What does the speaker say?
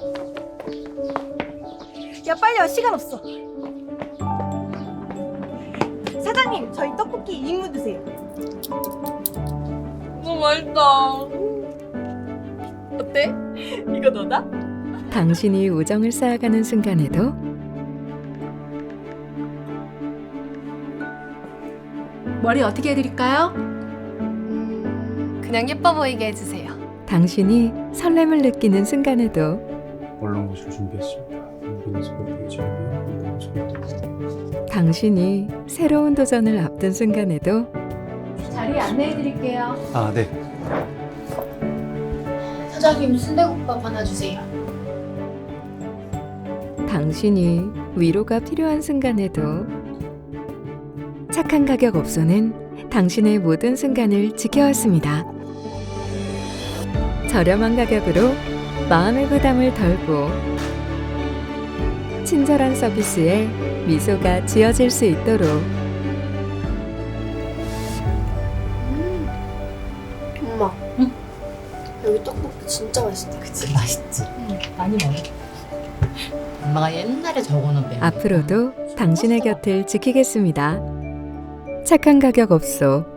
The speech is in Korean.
야 빨리 와, 시간 없어. 사장님, 저희 떡볶이 2인분 드세요. 너무 맛있다. 어때? 이거 너다? 당신이 우정을 쌓아가는 순간에도 머리 어떻게 해드릴까요? 그냥 예뻐 보이게 해주세요. 당신이 설렘을 느끼는 순간에도 얼른 곳을 준비했습니다. 여기는 새벽에 준비한 소개팅. 당신이 새로운 도전을 앞둔 순간에도 자리 안내해드릴게요. 아, 네. 사장님 순대국밥 하나 주세요. 당신이 위로가 필요한 순간에도 착한 가격 업소는 당신의 모든 순간을 지켜왔습니다. 저렴한 가격으로 마음의 부담을 덜고 친절한 서비스에 미소가 지어질 수 있도록 엄마, 여기 떡볶이 진짜 맛있다. 그치 맛있지. 많이 먹어. 엄마가 옛날에 적어놓은 메뉴. 앞으로도 당신의 곁을 지키겠습니다. 착한 가격 업소